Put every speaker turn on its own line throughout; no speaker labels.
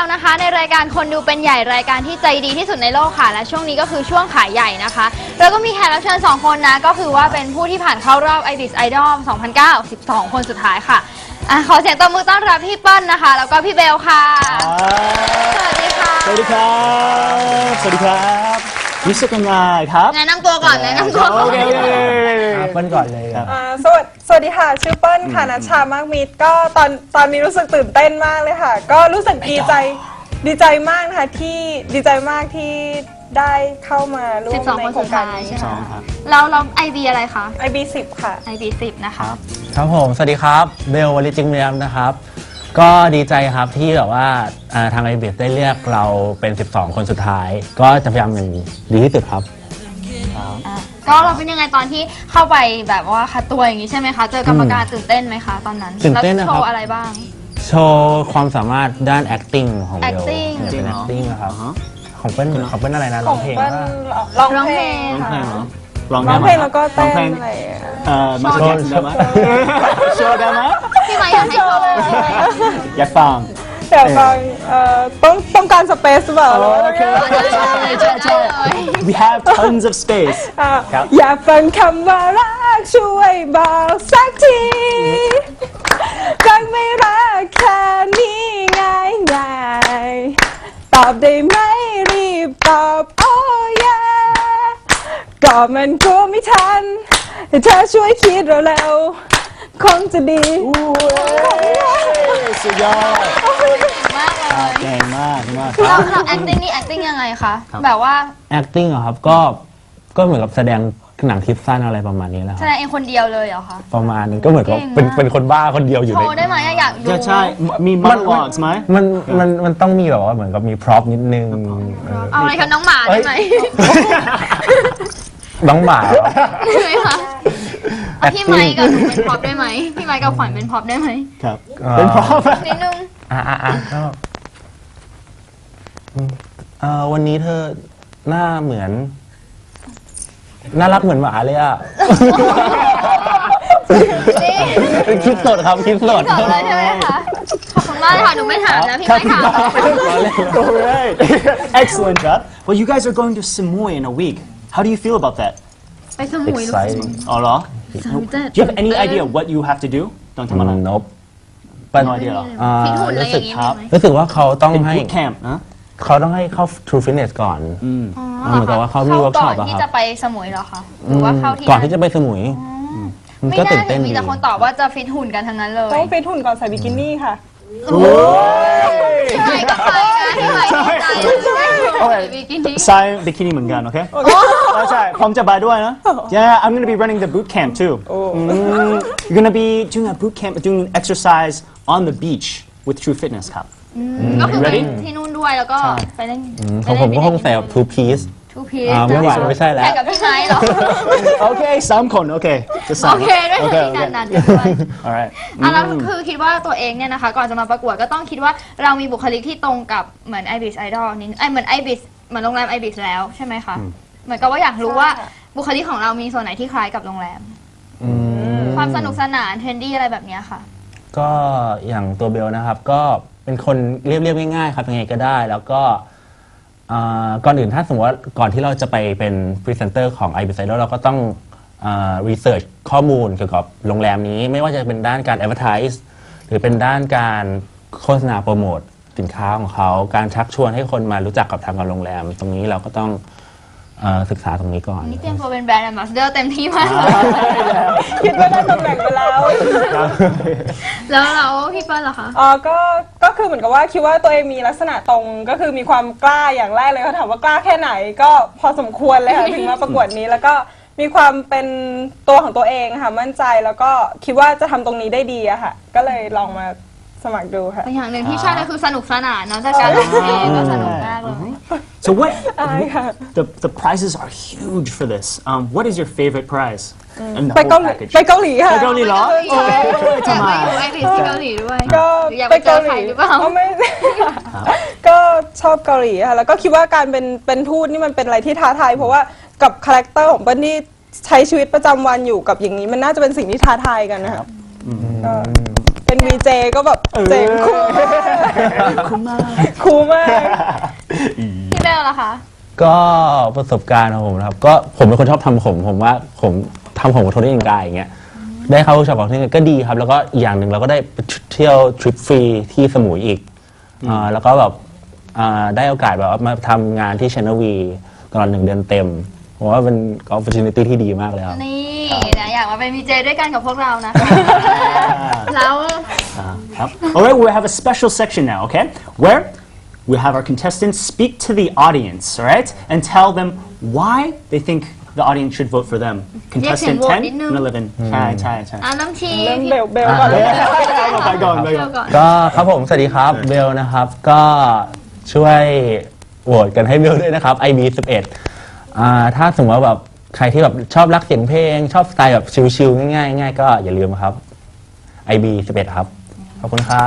เรานะคะในรายการคนดูเป็นใหญ่รายการที่ใจดีที่สุดในโลกค่ะและช่วงนี้ก็คือช่วงขายใหญ่นะคะแล้วก็มีแขกรับเชิญ2คนนะก็คือว่าเป็นผู้ที่ผ่านเข้ารอบ IBIS Idol 2009 12 คนสุดท้ายค่ะขอเสียงตบมือต้อนรับพี่เปิ้ลนะคะแล้วก็พี่เบลค่ะสวัสดีค่ะ
สวัสดีครับสวัสดีครับรู้สึกยังไงครับ
แนะนำตัวก่อนแนะนำตัวก่อน
โอเค
เปิ้ลก่อนเลยครับ
สวัสดีค่ะชื่อเปิ้ลค่ะนัชชามากมิตรก็ตอนนี้รู้สึกตื่นเต้นมากเลยค่ะก็รู้สึกดีใจมากนะคะที่ดีใจมากที่ได้เข้ามาร่วมในโครงการนี้
ใช่ไหมเราIB อะไรคะ
IB 10ค่ะ
IB 10นะคะ
ครับผมสวัสดีครับเบลวลิจิงเมียมนะครับก็ดีใจครับที่แบบว่าทาง IBIS ได้เลือกเราเป็น 12 คนสุดท้ายก็จะพยายามอย่างดีที่สุดครับ
ก็เราเป็นยังไงตอนที่เข้าไปแบบว่าคัดตัวอย่างนี้ใช่ไหมคะเจอกรรมการตื่นเต้นไหมคะตอนนั้น
ตื่นเต้นนะครับ
โชว์อะไรบ้าง
โชว์ความสามารถด้าน acting ของเบล
acting
เป็น acting นะครับของเปิ้ลอะไรนะร้องเพลง
ร้องเพลงค่ะร้องเพลงแล้วก็เต้นอะไร
มาโชว์ได้ไหมโชว์ได้ไหม
พี่ไมค์อยากให้โชว์
อยากฟัง
แต่ฟังต้องการสเปซหรือเปล่า
ใช่ we have tons of space
อยากฟังคำว่ารักช่วยบอกสักทีรักไม่รักแค่นี้ง่ายตอบได้ไหมรีบตอบโอ้ยก็มันกลัวไม่ทันแต่เธอช่วยคิดเร็วๆคงจะดี
สุดยอด
มากเลย
เก่งมาก
เรา acting นี่ acting ยังไงคะแบบว่า
acting เหรอครับก็เหมือนกับแสดงหนังคลิปสั้นอะไรประมาณนี้แหละครับ
แสดงเองคนเดียวเลยเหรอคะ
ประมาณนึงก็เหมือนกับเป็นคนบ้าคนเดียวอยู่ใน
โชว์ได้ไหมอยากดู
ใช่มี monologues ไหม
มันต้องมีแบบว่าเหมือนกับมีพร็อพนิดนึง
เอาอะไรคะน้องหมาได้ไหม
น้องหมา
ใช่ไหมคะพี่ไมค์กับหนูเป็นพร็อพได้ไหมพี่ไมค์กับขวัญเป็นพร็อพได้ไหม
ครับเป็นพร็อพ
นิดนึง
ก็วันนี้เธอหน้าเหมือนน่ารักเหมือนหมาเลยอ่ะคิดสดครับคิดสด
เลยใช่ไหมคะขอบคุณมากเลยค่ะหนูไม่ถามนะพี่ไม่ถาม
Excellent job well you guys are going to Samui in a week how do you feel about that
ไปสมุย
อ๋อเหรอ do you have any idea what you have to do ต้องทำอะไร
Nope
no idea หรอ
รู้สึกว่าเขาต้องให้
boot camp นะ
เขาต้องให้เข้า True Fitness ก่อนเหมือนกับว่าเขามีเวิร์กช็อป
ก่อนที่จะไปสมุยเหรอคะหรือว่าเข้าที่
ก่อนที่จะไปสมุย
ไม่น่าจะมีแต่คนตอบว่าจะฟิตหุ่นกันทั้งนั้นเลย
ต้องฟิตหุ่นก่อนใส่บิกินี่ค่ะ
พี่ไมค์ก็ไปนะพี่ไมค์
ใส่บิกินี่เหมือนกันโอเคใช่ผมจะไปด้วยนะ Yeah I'm gonna be running the boot camp too You're gonna be doing a boot camp doing exercise on the beach with True Fitness ครับ
ก็คือไปที่นู่นด้วยแล้วก็ไปเล่น
ผมก็คงใส่แบบ two piece ไม่ไหวไม่ใช่แล้ว
แต่กับพี่ไมค์เหรอ
โอเค3 คนโอเคจะ3
โอเคด้วยที่นั้นด้วย
alright
แล้วคือคิดว่าตัวเองเนี่ยนะคะก่อนจะมาประกวดก็ต้องคิดว่าเรามีบุคลิกที่ตรงกับเหมือน IBIS Idol นี่เหมือน IBIS เหมือนโรงแรม IBIS แล้วใช่ไหมคะเหมือนกับว่าอยากรู้ว่าบุคลิกของเรามีส่วนไหนที่คล้ายกับโรงแรมความสนุกสนานเทรนดี้อะไรแบบนี้ค่ะ
ก็อย่างตัวเบลนะครับก็เป็นคนเรียบง่ายๆครับยังไงก็ได้แล้วก็ก่อนอื่นถ้าสมมติว่าก่อนที่เราจะไปเป็นพรีเซนเตอร์ของ IBIS Idol เราก็ต้องรีเสิร์ชข้อมูลเกี่ยวกับโรงแรมนี้ไม่ว่าจะเป็นด้านการ advertise หรือเป็นด้านการโฆษณาโปรโมทสินค้าของเขาการชักชวนให้คนมารู้จักกับทางโรงแรมตรงนี้เราก็ต้องศึกษาตรงนี้ก่อน
นี่เตรียมตัวเป็นแบรนด์แอมบาสเดอร์เต็มที่มากเลย
คิดว่าได้ตำแหน่งไปแล้ว
แล้วพี่เปิ้ลเหรอคะ
ก็คือเหมือนกับว่าคิดว่าตัวเองมีลักษณะตรงก็คือมีความกล้าอย่างแรกเลยเขาถามว่ากล้าแค่ไหนก็พอสมควรเลยค่ะถึงมาประกวดนี้แล้วก็มีความเป็นตัวของตัวเองค่ะมั่นใจแล้วก็คิดว่าจะทำตรงนี้ได้ดีอะค่ะก็เลยลองมาสมัครดูค่ะ
อย่างหนึ่งที่ใช่เลยคือสนุกสนานเนาะจากการร้องเพลงก็สนุกมากเลย
So what the prizes are huge for this what is your favorite prize
ไปเกาหลีค่ะ
ไปเกาหลีเหรอ
ทำไมไปเกาหลีด้วย
ก็
ไปเกาหลีหรือเปล่า
ไม่ก็ชอบเกาหลีค่ะแล้วก็คิดว่าการเป็นทูตนี่มันเป็นอะไรที่ท้าทายเพราะว่ากับคาแรคเตอร์ของเปิ้ลที่ใช้ชีวิตประจำวันอยู่กับอย่างนี้มันน่าจะเป็นสิ่งที่ท้าทายกันนะครับเป็น VJ ก็แบบเจ๋งคู่คูลมาก
พี่เบลล่ะคะ
ก็ประสบการณ์ของผมนะครับก็ผมเป็นคนชอบทำผมว่าผมทำผมกับโทนี่อิงกายอย่างเงี้ยได้เข้าเวิร์กช็อปของที่นี่ก็ดีครับ แล้วก็อีกอย่างหนึ่งเราก็ได้ไปเที่ยวทริปฟรีที่สมุยอีกแล้วก็แบบได้โอกาสแบบว่ามาทำงานที่ Channel V ตลอด1 เดือนเต็มผมว่าเป็น opportunity ที่ดีมากเลยครับ
นี่นะอยากมาเป็นวีเจด้วยกันกับพวกเรานะคะ แล้ว
All right, we have a special section now, okay? Where we have our contestants speak to the audience, all right? And tell them why they think the audience should vote for them. Contestant 10 and 11. ใช่ใช่ใช่
น้ำชี
เริ่มเบลก่อนเลย
ไปก่อน
เบลก่อน
ก็ครับผม สวัสดีครับเบลนะครับ ก็ช่วยโหวตกันให้เบลด้วยนะครับ IB 11ถ้าสมมติว่าแบบใครที่แบบชอบรักเสียงเพลง ชอบสไตล์แบบชิลๆง่ายๆก็อย่าลืมครับ IB 11ครับ ขอบคุณครับ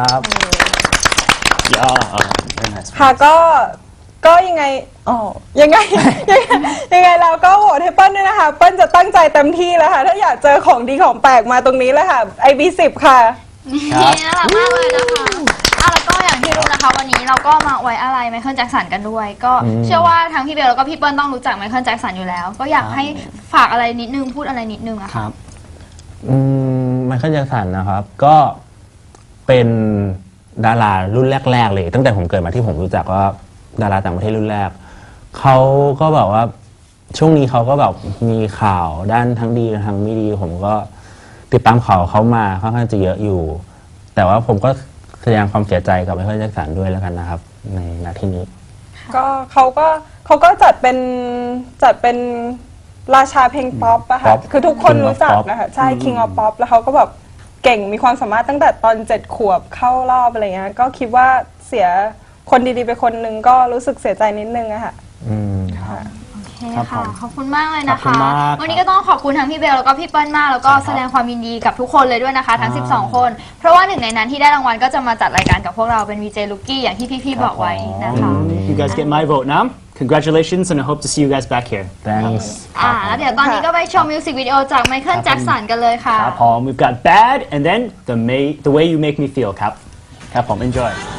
Yeah, very nice.
ค่ะก็ยังไงยังไงเราก็โหวตให้เปิ้ลด้วยนะคะเปิ้ลจะตั้งใจเต็มที่แล้วค่ะถ้าอยากเจอของดีของแปลกมาตรงนี้เลยค่ะ IB10 ค่ะ
นี่น่ารักมากเลยนะคะแล้วก็อย่างที่รู้นะคะวันนี้เราก็มาไว้อะไรไมเคิลแจ็คสันกันด้วย ก็เชื่อว่าทั้งพี่เบลแล้วก็พี่เปิ้ลต้องรู้จักไมเคิลแจ็คสันอยู่แล้ว ก็อยากให้ฝากอะไรนิดนึงพูดอะไรนิดนึงอะค่ะ
ไมเคิลแจ็คสันนะครับ ก็เป็นดารารุ่นแรกๆเลยตั้งแต่ผมเกิดมาที่ผมรู้จักว่าดาราต่างประเทศรุ่นแรกเขาก็แบบว่าช่วงนี้เขาก็แบบมีข่าวด้านทั้งดีทั้งไม่ดีผมก็ติดตามข่าวเขามาค่อนข้างจะเยอะอยู่ แต่ว่าผมก็แสดงความเสียใจกับไมเคิลแจ็คสันด้วยแล้วกันนะครับในนาทีนี้
ก็เขาก็จัดเป็นราชาเพลงป๊อปอะค่ะ
ป๊อป
คือทุกคน
King of
รู้จัก
Pop
นะคะใช่ King of Pop แล้วเขาก็แบบเก่งมีความสามารถตั้งแต่ตอน7 ขวบเข้ารอบอะไรเงี้ยก็คิดว่าเสียคนดีๆไปคนหนึ่งก็รู้สึกเสียใจนิดนึงอะค่ะ
โอเค
ครับผ
ค่ะ
ม
ขอบคุณมากเลย
ขอบ
นะ
คุณ
คะ
มาก
วันนี้ก็ต้องขอบคุณทั้งพี่เบลแล้วก็พี่เปิ้ลมากแล้วก็แสดงความยินดีกับทุกคนเลยด้วยนะคะ ทั้ง 12 คน เพราะว่าหนึ่งในนั้นที่ได้รางวัลก็จะมาจัดรายการกับพวกเราเป็น VJ Lucky อย่างที่พี่ๆบอกไว้นะคะ
You guys get my vote now. Congratulations, and I hope to see you guys back here.
thanks
แล้วเดี๋ยวตอนนี้ก็ไปชมมิวสิกวิดีโอจากไมเคิลแจ็คสันกันเลยค่ะ
We've got Bad, and then the way you make me feel, Cap. Enjoy.